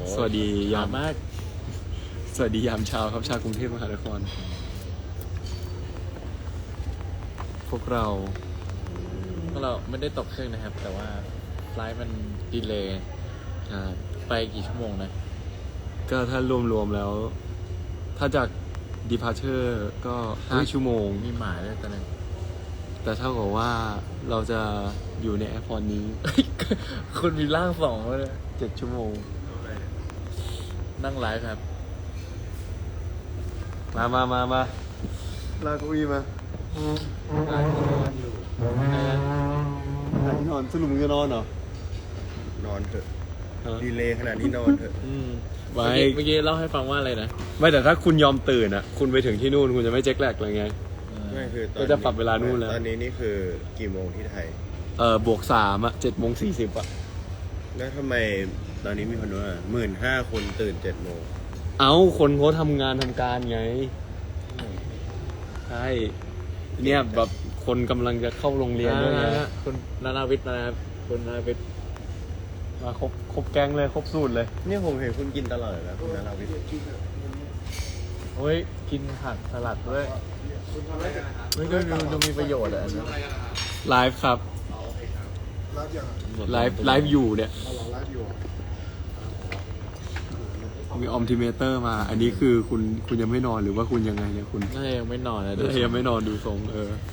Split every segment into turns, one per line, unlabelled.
สวัสดียาม
มาก
สวัสดียามเช้าครับชาวกรุงเทพมหานครพวกเรา
ไม่ได้ตกเครื่องนะครับแต่ว่าไฟล์มันดีเลย์ไปกี่ชั่วโมงนะ
ก็ถ้ารวมๆแล้ว ถ้าจาก departure ก็5 ชั่วโมง
มีหมายด้วยตอนนั้น
แต่เท่ากับว่าเราจะอยู่ในแอร์พอร์ตนี้
คุณมีร่างสองเลย
7 ชั่วโมง
นั่งไลฟ์ครับ
มาลากเก้าอี้มาอนอนสรุปมึงจะนอนเหร
นอนเถอะดีเลยขนาดนี้นอนเถอะ
เมื่อกี้เล่าให้ฟังว่าอะไรนะ
ไม่แต่ถ้าคุณยอมตื่นอ่ะคุณไปถึงที่นู่นคุณจะไม่เจ็คแลกอะไรไง
ไม่คือ
ก็จะปรับเวลานู่นแล้ว
ตอนนี้นี่คือกี่โมงที่ไทย
บวก3อ่ะ7:40อ่ะ
แล้วทำไมตอนนี้มีคนว่า15,000 คนตื่น7 โมง
คนเขาทำงานทำการไงใช่เนี่ยแบบคนกำลังจะเข้าโรงเรียนด้วยนะ
คุณนานาวิทย์นะครับคุณนานาวิทย์
มาครบแก๊งเลยครบสูตรเลย
เนี่ยผมเห็นคุณกินตลอดนะคุณนาราวิทย์
เฮ้ยกินผักสลัดด้วยเฮ้ยดูมีประโยชน์อ่ะ
ไลฟ์ครับไลฟ์อยู่เนี่ยมีออมทิเมเตอร์มาอันนี้คือคุณยังไม่นอนหรือว่าคุณยังไงเนี่ยคุณ
น่ายังไม่นอนเลย
ยังไม่นอนดูทรง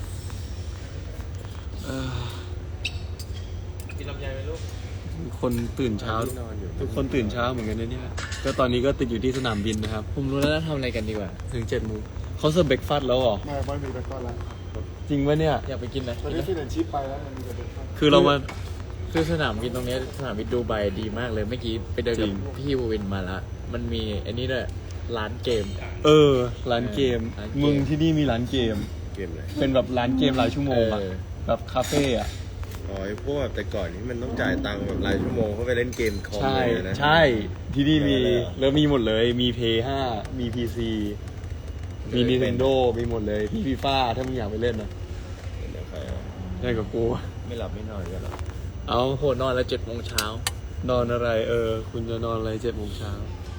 กินลำไยไหมลูก
คนตื่นเช้าทุกคนตื่นเช้าเหมือนกันนะเนี่ยก็ตอนนี้ก็ติดอยู่ที่สนามบินนะครับ
ผมรู้แล้วทำอะไรกันดีกว่า
ถึง7 โมงเขาเสิร์ฟเบรกฟาสต์แล้วเหรอ
ไม่มีเบรกฟาสต์แล้ว
จริงปะเนี่ย
อยากไปกินนะ
ตอนนี้ฟินแอนชิปไปแล้วมันมีเบรกฟาสต์
คือเรามา
คือสนามบินตรงนี้สนามบินดูไบดีมากเลยเมื่อกี้ไปเดินกับพี่วูวินมาแล้วมันมีอันนี้ด้วยร้านเกม
ร้านเกมมึงที่นี่มีร้านเกม
อะไร
เป็นแบบร้านเกมรายชั่วโมงอะแบบคาเฟ่อะ
พวกแต่ก่อนที่มันต้องจ่ายตังค์แบบรายชั่วโมงเข้าไปเล่นเกมคอมเลยนะ
ใช่ที่นี่มีแล้วมีหมดเลยมี PS5 มี PC มี Nintendo มีหมดเลยพี่ฟีฟ่าถ้ามึงอยากไปเล่นนะได้กับกู
ไม่หลับไม่นอนกันหรอ
โหนอนแล้ว7 โมงเช้าน
อนอะไรคุณจะนอนอะไร7 โมงเช้า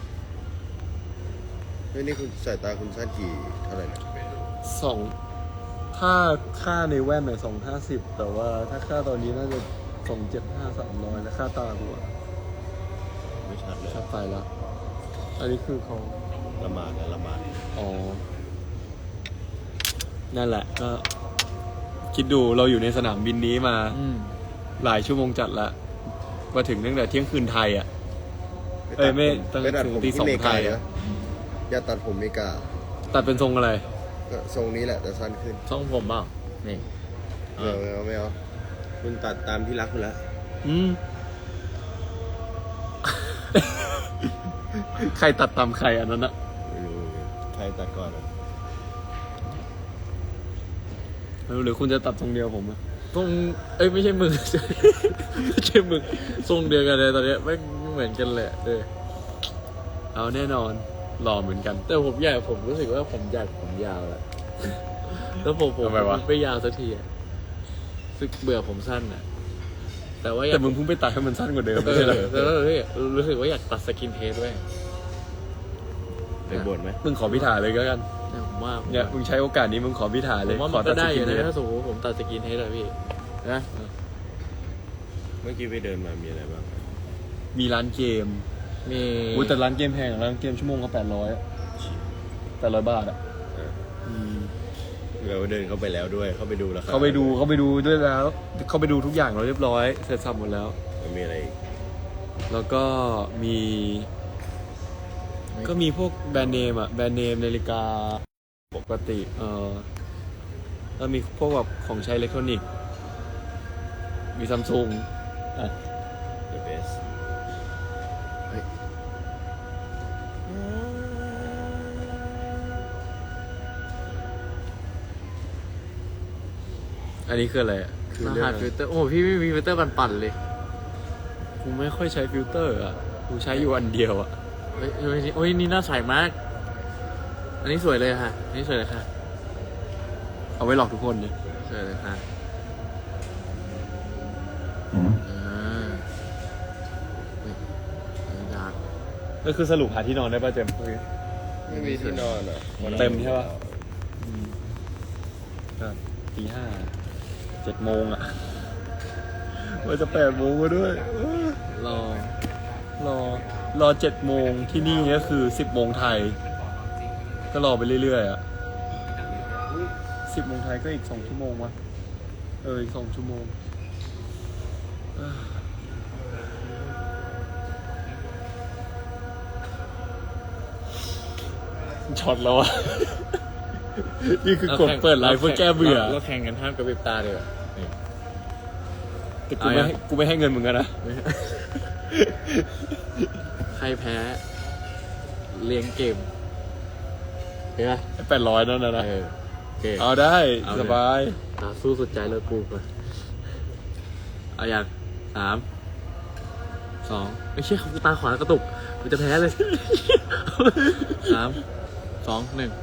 นี่คุณสายตาคุณสั้นกี่เท่าไหร่นะ
ถ้าค่าในแว่นเนี่ย250แต่ว่าถ้าค่าตอนนี้น่าจะ275 300แล้วค่าตากู
ไม่ชัดเลย
ชัดไปแล้วอันนี้คือเขา
ละหมาด
นั่นแหละก็คิดดูเราอยู่ในสนามบินนี้มาหลายชั่วโมงจัดละมาถึงตั้งแต่เที่ยงคืนไทยอ่ะไม่ตั้งแต่ถึงตี 2ไทยอ่ะ
อย่าตัดผมไม่กล้า
ตัดเป็นทรงอะไร
ก็ทรงนี้แหละแต่สั้นขึ้น
ทรงผมเปล่านี่
ไม่เอาคุณตัดตามที่รักคุณแล้ว
ใครตัดตามใครอันนั้นอะ
ไม่รู้ใครตัดก่อน
หรือคุณจะตัดทรงเดียวผมอะ
ทรงไม่ใช่มึงไม่ใช่มึงทรงเดียวกันเลยตอนนี้ไม่เหมือนกันเลย
เอาแน่นอนหล่อเหมือนกัน
แต่ผมรู้สึกว่าผมอยากผมยาวแล้วแล้วผมไม่ยาวสักทีอะสึกเบื่อผมสั้นอะ
แต่มึงเพิ่งไปตัดให้มันสั้นกว่าเดิมไม่ใช่เหรอ
แล้วรู้สึกว่าอยากตัดสกินเฮดด้วย
ไปบ่นไหม
มึงขอพิธาเลยก็กัน
ผมว่า
เนี่ยมึงใช้โอกาสนี้มึงขอพิธาเลย
ผมว่ามันก็ได้อยู่นะถ้าสมมติผมตัดสกินเฮดเลยพี่นะ
เมื่อกี้ไปเดินมามีอะไรบ้าง
มีร้านเกมแต่ร้านเกมแพงร้านเกมชั่วโมงก็800 บาทอ่ะ
เราเดินเข้าไปแล้วด้วยเข้าไปดูแล้ว
เข้าไปดูด้วยแล้วเข้าไปดูทุกอย่างเราเรียบร้อยเสร็จสับหมดแล้ว
มีอะไรอีก
แล้วก็มีพวกแบรนด์เนมนาฬิกาปกติแล้วมีพวกแบบของใช้อิเล็กทรอนิกส์มีซัมซุง
The best
อันนี้คืออะไร
รหัสฟิลเตอร์พี่ไม่มีฟิลเตอร์ปั่นเลย
กูไม่ค่อยใช้ฟิลเตอร์อ่ะกูใช้อยู่อันเดียวอ่ะ
โอ้ยนี่น่าใสมากอันนี้สวยเลยค่ะนี่สวยเลยค่ะ
เอาไว้หลอกทุกคนเนี่ย
สวยเลยค่ะอยาก
ก็คือสรุปหาที่นอนได้ป่ะเจมส์
ไม่มีที่นอนอ่ะ
เต็มใช่ป่ะก็ตี 5 7 โมงอ่ะว่าจะ8 โมงก็ด้วย รอ 7 โมงที่นี่ก็คือ 10 โมงไทย ก็รอไปเรื่อยๆอ่ะ 10 โมงไทยก็อีก 2 ชั่วโมงวะอีก 2 ชั่วโมงช็อตแล้วอ่ะ นี่คือกดเปิดไลฟ์เพื่อแก้เบื่อ
เราแข่งกันห้ามกระพริบตาเลยอะนี่
แต่กูไม่ให้เงินมึงกันนะ
ใครแพ้เลี้ยงเกมเห็นปะ
800นั่นนะ
โอเค
เอาได้
เอาเลย
สบาย
สู้สุดใจเลยกูก่อนเอาอย่าง3 2ไม่ใช่เขาตาขวากระตุกมันจะแพ้เลย 3 2 1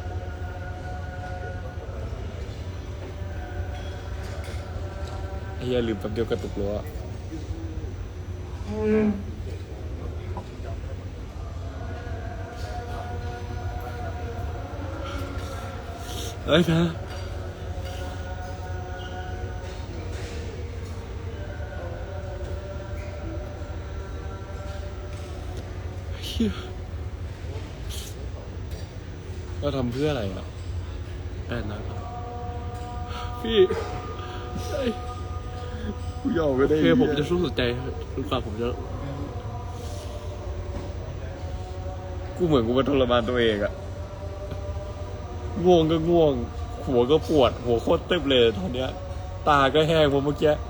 ไอ้เหี้ยลืมแป๊บเดียวกระตุกรั้วเอ้ยนะเหี้ยเราทำเพื่ออะไรอ่ะ800 บาทพี่กูยอมก็ได้
คือผมจะสู้สุดใจจนกว่าผมจะ
กูเหมือนกูมาทรมานตัวเองอะง่วงก็ง่วง หัวก็ปวด หัวโคตรเต็มเลยตอนเนี้ย ตาก็แห้งเพราะเมื่อกี้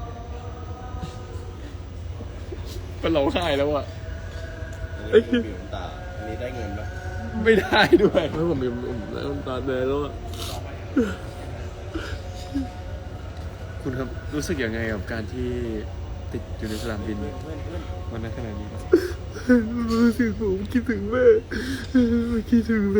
เป็นร้องไห้แล้วอะ
เอ้ยมีน้ำตาอันนี้ได้เงินปะ
ไม่ได้ด้วย
เมื่อผมมีน้ำตาแดงแล้วอะ
คุณครับรู้สึกยังไงกับการที่ติดอยู่ในสนามบินวันนั้นขนาดนี้
รู้สึกผมคิดถึงแม่คิดถึงแม่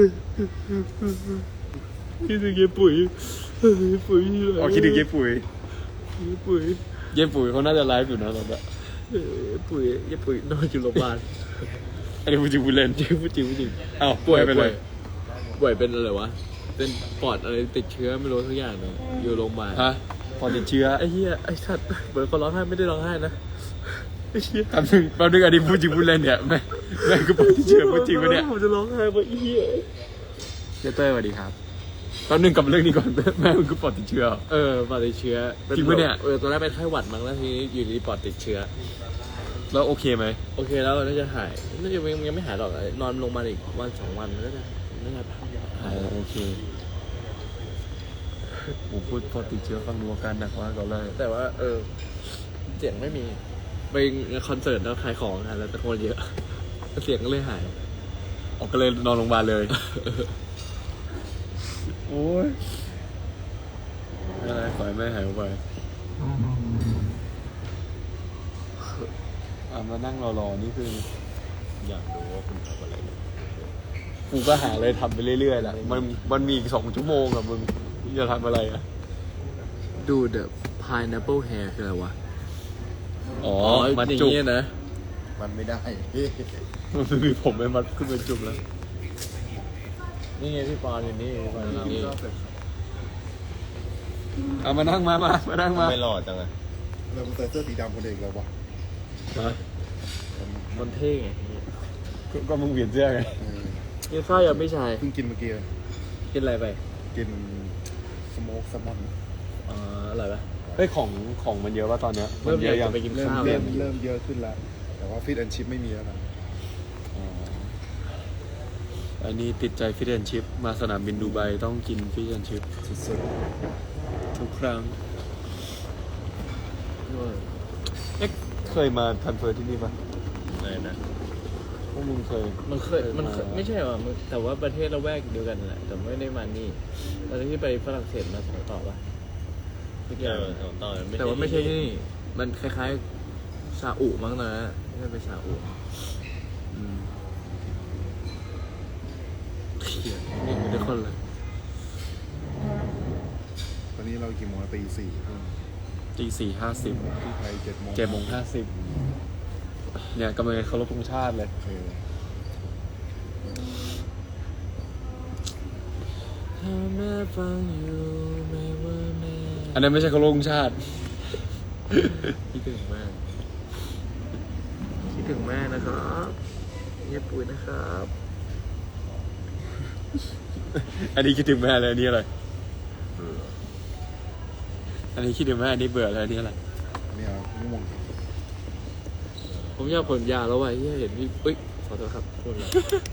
คิดถึงเย้ปุ๋ยปุ๋ย
อ๋อคิดถึงเย้ปุ๋ย
ปุ๋ย
เย้ปุ๋ยเขาน่าจะไลฟ์อยู่นะตอนนี้
ปุ๋ยนอนอยู่โรงพยาบาล
อันนี้พูดจริงพูดเล่น
จริงจริง
อ้าวป่วยไปเลย
ป่วยเป็นอะไรวะเป็นปอดอะไรติดเชื้อไม่รู้ทุกอย่างเลยอยู่โรงพยาบาล
ฮะพอติดเชื้อ
ไอ้เหี้ยไอ้สัตว์เหมือนคนร้องไห้ไม่ได้ร้องไห้นะไอ้เหี้ย
แป๊บนึงอันนี้พูดจริงพูดเล่นเนี่ยแม่งก็ปอดติดเชื้อพูดจริงปะเนี่ย
ผมจะร้องไห้เพราะไอ้เหี้ย
เจ๊เต้ยสวัสดีครับแป๊บนึงกลับมาเรื่องนี้ก่อน แม่มึงก็ปอดติดเชื้อ
ปอดติดเชื้อ
จริงปะเนี่ย
ตอนแรกเป็นไข้หวัดมั้งแล้วทีนี้อยู่ดีปอดติดเชื้อ
แล้วโอเคไหม
โอเคแล้วน่าจะหายน่าจะยังไม่หายหรอกนอนลงมาอีกวัน2 วันก็จะน่าจะหาย
โอเคผมพูดปอดติดเชื้อฟังดูอาการหนักมากตอนแรก
แต่ว่าเสียงไม่มีไปคอนเสิร์ตแล้วขายของกันแล้วตะโกนเยอะเสียงก็เลยหาย
ออกก็เลยนอนโรงพยาบาลเลย โอ้ยไม่เป็นไรขอให้แม่หายไปมานั่งรอนี่คือ
อยากรู้ว่าคุณทำอะไร
กูก็หาอะไรทำไปเรื่อยๆแหละมันมีอีก2 ชั่วโมงอะมึงจะทำอะไรอะ
ดู The Pineapple Hair คืออะไรวะ
อ๋อ
มั
มัน น
อย่าง
จุก
เงี้ยนะ
มันไม่ได้
มันมีผมไม่มัดขึ้นเป็นจุกแล้ว
นี่ไงพี่ปอนอยู่นี่พี่ปอนอยู่นี่
เอามานั่งมานั่งมา
ไม่หล่อจังอะ
เราใส่เสื้อสีดำคนเองแล้ววะ
มันเท่ไง
ก็มึงเปลี่ยนเสื้อไง
กินข้าวยังไม่ชาย
เพิ่งกินเมื่อกี้เลย
กินอะไรไป
กินสโมกแซลมอน
อร่อยปะ
เฮ้ยของมันเยอะป่ะตอนเนี้ย
เริ่ม
นเย
อยาก
อะยั
จะ
ง
ไปกิน
เริ่ม
ข้าว
เริ่
แล้ว
มเริ่มเยอะขึ้นแล้ว แต่ว่าฟิตแอนชิพไม่มีแล้วนะ
อ๋ออันนี้ติดใจฟิชแอนชิพมาสนามบินดูไบต้องกินฟิชแอนชิพ
สุด
ทุกครั้งเอ๊ะเคยมาทันเฟอร์ที่นี่ป่ะ
อะไรนะ
พวกมึงเคย
มันเคยไม่ใช่ว่ะมันแต่ว่าประเทศละแวกเดียวกันแหละแต่ไม่ได้มานี่ตอนที่ไปฝรั่งเศสมา2 ต่อปะทุกอย่าง
ต่อ
แต่ว่าไม่ใช่ที่นี่มันคล้ายๆซาอุมั้งนะไม่ใช่ไปซาอุ
อืม
เขียนนี่มีทุกคนเลย
ๆตอนนี้เรากี่โมงแล้วตี 4
ตี 4:50
ที่ไทย7 โมง
7:50เนี่ยกำลังจะเคารพธงชาติเลย
โอเค
ถ้าแม่ฟังอยู่ไม่ว่าแม่
อันนั้นไม่ใช่เคารพธงชาติ
คิดถึงแม่คิดถึงแม่นะครับเงียบปุ๋ยนะครับ
อันนี้คิดถึงแม่เลยอันนี้อะไรอันนี้คิดถึงแม่อันนี้เบื่อเลยอันนี้อะไร
เนี่ยง่วง
ผมอยากผลยาแล้วว่ะที่เห็นพี่เอ้ยขอโทษครับพูดแล้ว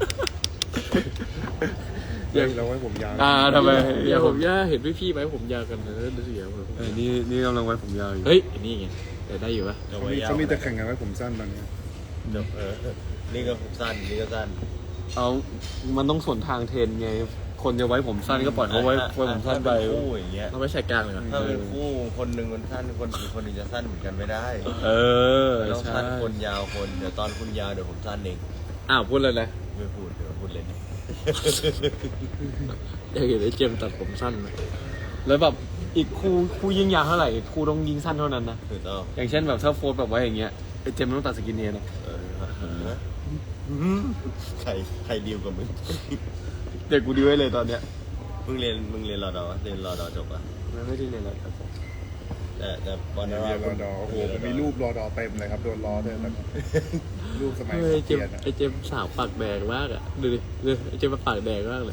เรื่องเราไว้ผมยาว
ทำไม
อยากผมยาเห็นพี่ไหมผมยากันเลยรู้สึกอย่างไร
นี่กำลังไว้ผมยาวอยู่
เฮ้ยนี่ไงแต่ได้อยู่ปะ
เขามีแต่แข่งกันไว้ผมสั้นตอนนี้
นี่ก็สั้นนี่ก็สั้น
เอามันต้องส่วนทางเทรนไงคนจะไว้ผมสั้นก็ปล่อยเขาไว้ผมสั้นไป
ถ้าเป็นคู่อย่างเงี้ย
เราไม่ใช่กลางเลยเหรอ
ถ้าเป็นคู่คนหนึ่งมันสั้นคนอีกคนหนึ่งจะสั้นเหมือนกันไม่ได้
เออ
ต้อง
ใช่
สั้นคนยาวคนเดี๋ยวตอนคุณยาวเดี๋ยวผมสั้นเอง
อ้าวพูดเลยนะ
ไม่พูดเดี๋ยวพูดเล่น
อยากเห็นไอ้เจมส์ตัดผมสั้นไหม
แล้วแบบอีกคู่ยิ่งยาวเท่าไหร่อีกคู่ต้องยิงสั้นเท่านั้นนะ
ถูกต้อง
อย่างเช่นแบบถ้าโฟร์แบบไว้อย่างเงี้ยไอ้เจมส์ต้องตัดสกินเฮดนะ
ใครดีลกับมึง
เด็กกูดีไว้เลยตอนเนี้ย
มึงเรียนรอดอเรียนรอดอจบอ่ะ
ไม่ได้เรียนอะไรครับผม
แต่บอล
เรียนรอดอโอ้โหผมมีรูปรอดอเต็มเลยครับโดนล้อด้วยแล้วรูปสมัย
เฮ้ยไอ้เจ
เรี
ม
ยน
ส์ไอ้เจมส์สาวปากแดงมากอ่ะดูดิดูไอ้เจมส์มันปากแดงมากเลย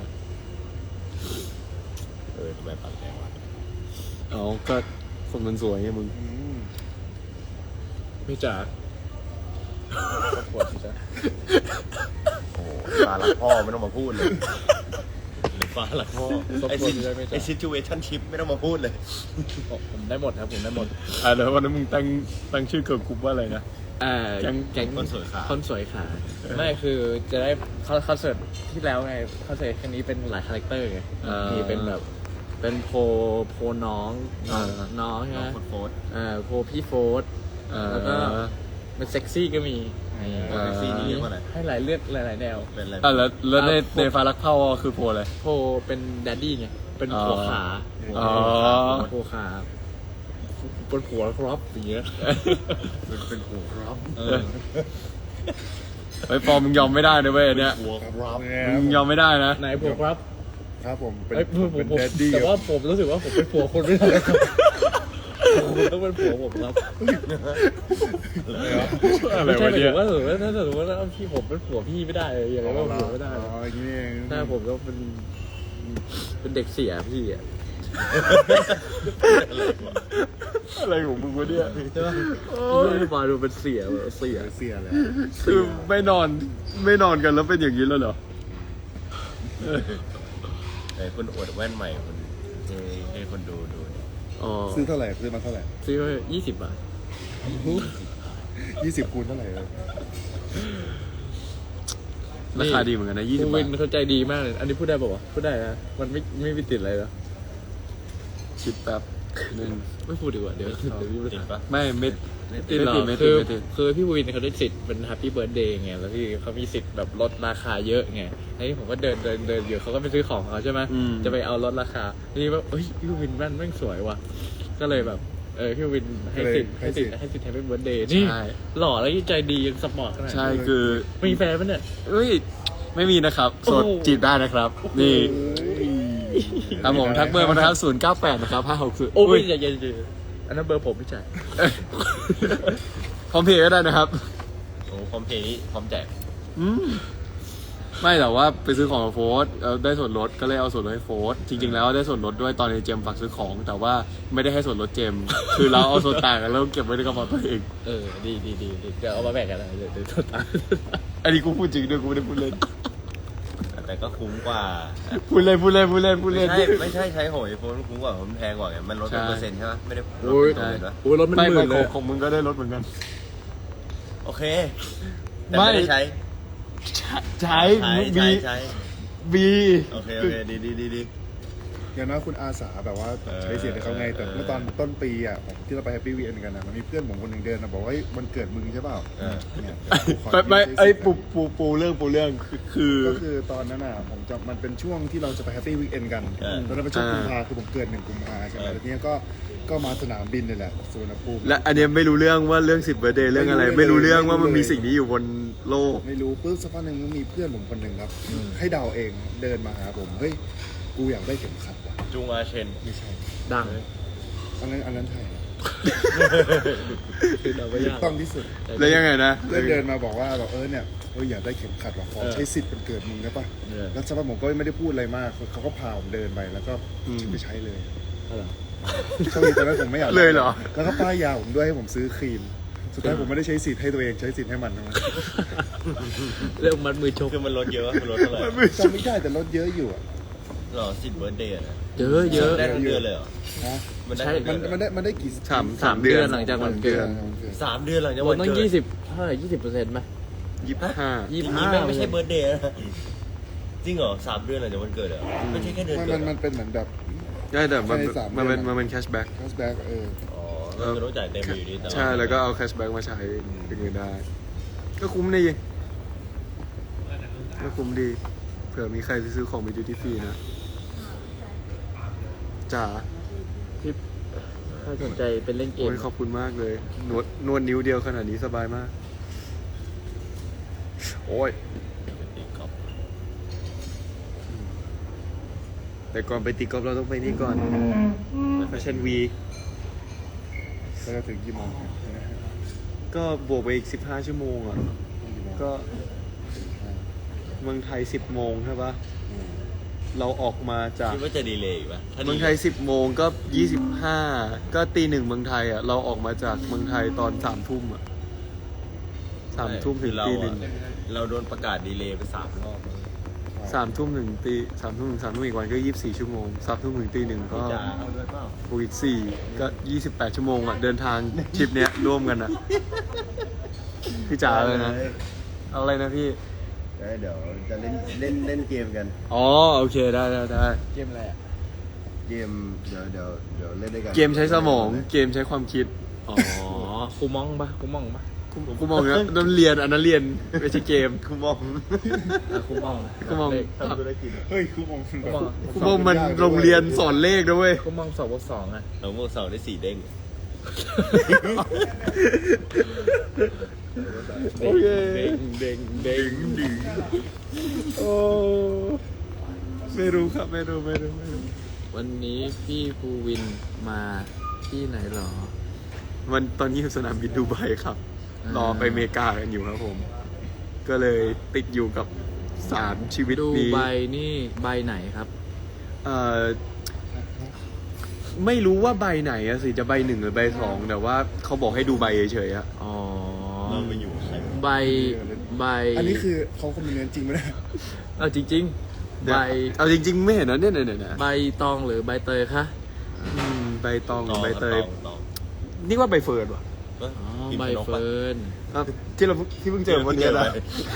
ทำไมปากแดงวะ
อ๋อก็คนมันสวยไงมึง
ไม่จ๋า
ปวดสิจ๊ะ
โอ้ปลาหลักพ่อไม่ต้องมาพูดเลยปลาหลักพ่อไอซิจูเอชั่นชิพไม่ต้องมาพูดเลย
ผมได้หมดครับผมได้หมด
แล้ววันนั้นมึงตั้งชื่อเกิร์ลกรุ๊ปว่าอะไรนะ
แก๊ง
คนสวยขา
คนสวยขาไม่คือจะได้คอนเสิร์ตที่แล้วไงคอนเสิร์ตครั้งนี้เป็นหลายคาแรคเตอร์ไงมีเป็นแบบเป็นโพน้องใช่ไหม
โฟร์
โพพี่โฟร์แล้วก็เป็นเซ็กซี่ก็มี
แท็กซี่นี่เรียกว่าอะไร
ให้หลายเลือกหลายแนว
เป็นอะไร
แล้วในฟ้ารักเผ่าคือโพลอะไร
โพเป็นแดดดี้ไงเป็นผัวขา
อ๋อ
ผัวขาเป็นผัวครับอย่างเงี้ย
เป็นหัวครับ
ไอ้ฟอร์มมึงยอมไม่ได้นะเว้ยอันเนี้ย
หัวครับ
มึงยอมไม่ได้นะ
ไหนผัวครับ
ครับผมเป็น
เอ้ยผม
เป็นแดดดี้
แต่ว่าผมรู้สึกว่าผมเป็นผัวคนไม่ได้ครับผมต้องเป็นผัวผมครับ
อะไร
ไม่ใช่
วะ
หมาย
เนี่
ถึ
ย
งว่าถ้าสมมติว่าพี่ผมเป็นผัวพี่ไม่ได้อย่างไรก็ผัวไม่ได้
อ๋ออย่างนี้เอง
ถ้าผมก็เป็นเด็กเสียพี่อ่ะ
อะไรของมึงวะเนี่ย
ใช่ป่ะพี่มาดูเป็นเสียแบบเสีย
เสียเลย
คือไม่นอนกันแล้วเป็นอย่างนี้แล้วเหรอ
ไอ้คนอวดแว่นใหม่คนให้คนดู
อ๋อ
ซื้อเท่าไหร่ซื้อมาเท่าไหร่
ซื้อมา20 บาท
20 คูณเท่าไหร่
ราคาดีเหมือนกันนะ20
วิ
บาท
นเขาใจดีมากเลย อันนี้พูดได้ป่าวะพูดได้นะมันไม่มีติดอะไรหรอ
คิดแป๊บนึง
ไม่พูดดีกว่าเดี๋ยวพี่พูด
ติดปะ
ไม่
ติดหรอ
ไม่
คื
ติ
อ
ดไม่ติด
คือพี่วินเขาได้สิทธิ์เป็นแฮปปี้เบิร์ดเดย์ไงแล้วพี่เขามีสิทธิ์แบบลดราคาเยอะไงไอ้ผมก็เดินอยู่เขาก็ไปซื้อของเขาใช่ไหมจะไปเอาลดราคาทีนี้ว่าเฮ้ยพี่วินแม่งสวยว่ะก็เลยแบบพี่วินให้สิทธิ์แฮปปี้เบิร์ดเดย์นี่
ใช่
หล่อแล้วใจดียังสปอร์ตขนาด
ใช่คือ
มีแฟนปะเนี่ย
เอ้ยไม่มีนะครับโสด
โอ้โห
จีบได้นะครับ นี่ครับผมทักเบอร์มานะครับ098นะครับ560
โอ้ยอย่าอันนั้นเบอร์ผมไม่ใช่
พร้อมเพย์ก็ได้นะครับ
โอ้คอมเพลนี้พร้อมแจก
ไม่แต่ว่าไปซื้อของกับโฟร์ได้ส่วนลดก็เลยเอาส่วนลดให้โฟร์จริงๆแล้วได้ส่วนลดด้วยตอนในเจมฝากซื้อของ แต่ว่าไม่ได้ให้ส่วนลดเจม คือเราเอาส่วนต่างกันแล้วเก็บไว้ในกระเป๋าตัวเอง
ดีเดี๋ยวเอามาแบ่งกันนะเดี๋ยวตัวตา
อันนี้กูพูดจริงด้วยกูไม่ได้พูดเล่น
แต่ก็คุ้มกว่า
พูดเล่น
ไม่ใช่ใช้โหยโฟนคุ้มกว่าผมแพงกว่าไงมันลดเป็นเปอร์เซ็นต์ใช่ไหมไม่ได้ลด
โอ้ย
เป็นเปอร์เซ็นต์วะ
โอ้ยรถมัน
ไม่
หมื่นเลย
ของมึงก็ได้ลดเหมือนกัน
โอเคแต่ไม่ได้ใช้
ใช้
ใช้
บี
โอเคดี
อย่างน้อยคุณอาสาแบบว่าใช้เสียงให้เขาไงแต่เมื่อตอนต้นปีอ่ะผมที่เราไปแฮปปี้วีเอ็นกันนะมันมีเพื่อนผมคนหนึ่งเดินมาบอกว่ามันเกิดมึงใช่เปล่าเนี่ย
ไม่ไอ้ปูเรื่องคือ
ก็คือตอนนั้นอ่ะผมจะมันเป็นช่วงที่เราจะไปแฮปปี้วีเอ็นกันตอนนั้นเป็นช่วงกุมภาคือผมเกิด1 กุมภาใช่ไหมแล้วทีนี้ก็มาสนามบินนี่แหละสุวรรณภูมิ
และอันเนี้ยไม่รู้เรื่องว่าเรื่อง10 เบอร์เดย์เรื่องอะไร ไม่รู้เรื่องว่ามันมีสิ่งนี้อยู่บนโลก
ไม่รู้ปุ๊บสักพักหนึ่งมันมีเพื่อนผมคนหนึ่งครับ ให้เดาเองเดินมาหาผมเฮ้ยกูอยากได้เข็มขัดว่ะ
จุงอาเชน
ไม่ใช่
ดัง
อันนั้นไทย
คือเราไม่ยาก
ต้องที่สุด
แล้วยังไงนะ
เพื่อนเดินมาบอกว่าแบบเนี่ยอยากได้เข็มขัดว่ะขอใช้สิทธิ์วันเกิดมึงได้ปะแล้วสักพักผมก็ไม่ได้พูดอะไรมากเขาก็พาผมเดินไปแล้วก็ไปใช้เลย
อะไร
โชคดีตอนนั้นผมไม่อยาก
เลยเหรอ
แล้วก็ป้ายยาผมด้วยให้ผมซื้อครีม สุดท้ายผมไม่ได้ใช้สิทธิ์ให้ตัวเองใช้สิทธิ์ให้มันนะ
เรื่องมัดมือชก
คือมันลดเยอะมันลดเท่าไหร่
จำไม่ได้แต่ลดเยอะอยู่อะ
หรอ10 เบิร์ธเดย์นะ
เยอะเยอะ
ได้ทั้งเดือนเลยเหรอ
นะ
มันได้
ใช่
ทั้งเดือน
มันได้กี่
สามเดือน
หลังจากวันเกิด
3 เดือนหลังจาก
รว
วั
ม
น
ต้อง
เกิด
20เท่าไหร่20%ไหม
25
อย่างนี้แม่งไม่ใช่เบิร์ธเดย์นะจริงเหรอ3 เดือนหลังจากวันเกิดเหรอไม่ใช่แค่เดือนเกิดเหร
มั
อน
เป็นเหมือนแบบ
ได้แต่มัน
ใช่3
มันเป็น
เดือน
มันเป็นแคชแบ็ก
แคชแบ็ก
อ๋อเราจะต้องจ่ายเต็มอยู่ดีแต่ว่า
ใช่แล้วก็เอาแคชแบ็กมาใช้เป็นเงินได้ ก็คุ้มดีก็คุ้มดี เผื่อมีใครไปซื้อของไปดูที่ฟรีนะจ๋า
ที่ถ้าสนใจเป็นเล่นเก
โอ้
ม
ยขอบคุณมากเลยนวดนิ้วเดียวขนาดนี้สบายมาก โอ้ย
ตีกอล์ฟ
แต่ก่อนไปตีกอล์ฟเราต้องไปนี่ก่อนแฟชั่นวี
แล้วจะถึงกี่โมง
ก็บวกไปอีก15 ชั่วโมงอ่ะ ก็เมืองไทย 10 โมงใช่ปะเราออกมาจาก
คิดว่าจะดีเลยอีกปะถ้า
เมืองไทย 10 โมงก็ 25 ก็ตี 1เมืองไทยอ่ะ เราออกมาจากเมืองไทยตอน 3 ทุ่มอ่ะ 3 ทุ่มถึง
เรา
ตี
อะ
1
เราโดนประกาศดีเลย์ไป3 รอบแล้ว
3 ทุ่มถึงตี 3 ทุ่มถึง 3 ทุ่มอีกวันก็ 24 ชั่วโมง 3 ทุ่มถึงตี 1 ก็
จะเอาด้วยเปล่า
บวกอีก4ก็ 28 ชั่วโมงอ่ะ เดินทางทริปเนี้ยร่วมกันอ่ะ พี่จ๋าเลยนะ เอาอะไรนะพี่
เดี๋ยวจะเล่นเกมกัน
อ๋อ โอเค ได้
เกมอะไรอ่ะ
เกมเดี๋ยวเล่นด้วยกัน
เกมใช้สมอง เกมใช้ความคิด
อ๋อคูมองปะคูมองปะ
กูมองนะนั่นเรียน อันนั้นเรียน ไม่ใช่เกม
คุณมอง
คูมอง
กูมอง
ทำธุรกิจ
เฮ้ยคือผม
กูมองมันโรงเรียนสอนเลขนะเว้ย
คูมอง2+2อ่ะ
เราโมก2ได้4 เด้ง
โอเค
เด้ง
โอ้ไม่รู้ครับ ไม่รู้
วันนี้พี่ภูวินมาที่ไหนหรอ
มันตอนนี้อยู่สนามบินดูไบครับ รอไปอเมริกากันอยู่ครับผม ก็เลยติดอยู่กับ3ชีวิต
ดู
นี้
ใบนี่ใบไหนครับ
เอ่อไม่รู้ว่าใบไหนอะสิจะใบ1หรือใบ2แต่ว่าเขาบอกให้ดูใบเฉยๆอะ
อ๋อ
เราไปอยู่ใคร
ใบ
อันนี้คือเขาคอมเมนต์จริงไหมเนี่ย
เอาจริง ๆ ใบ
เอาจริงๆไม่เห็นนะเนี่ย
ใบตองหรือใบเตยคะ
ใบตองหรือใบเตย
ตอง
นี่ว่าใบเฟิร์นว่ะ
เอ้ย
อ๋อ
พิมพ์
ใบ
ชนกปะ
เฟิร์น
อ่ะที่เพิ่งเจอวันนี้นะ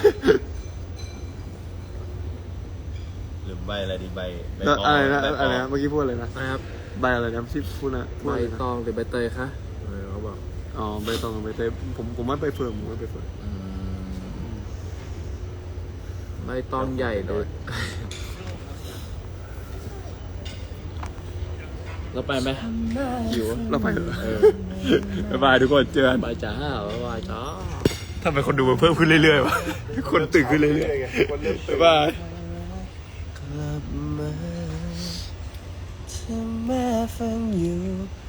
หรือใบอะไรดีใบ
แล้วอะไรนะ
ใบ
อะไรนะเมื่อกี้พูดอะไรนะ
นะครับ
ใบอะไรนะที่พูดนะพูด
ใบ
อะไรนะ
ตองหรือใบเตยคะเขาบอก
อ๋อใบตองกับใบเตยผมว่าใบเฟิร์น
ใบตองใหญ่เลย เราไปไหมหิว
เราไปเถอะบ๊ายบายทุกคนเจอกัน
บายจ้าบายจ้า
ทำไมคนดูมันเพิ่มขึ้นเรื่อยๆวะคนตื่นขึ้นเรื่อยๆบ๊ายบาย
กลับมาถ้าแม่ฟังอยู่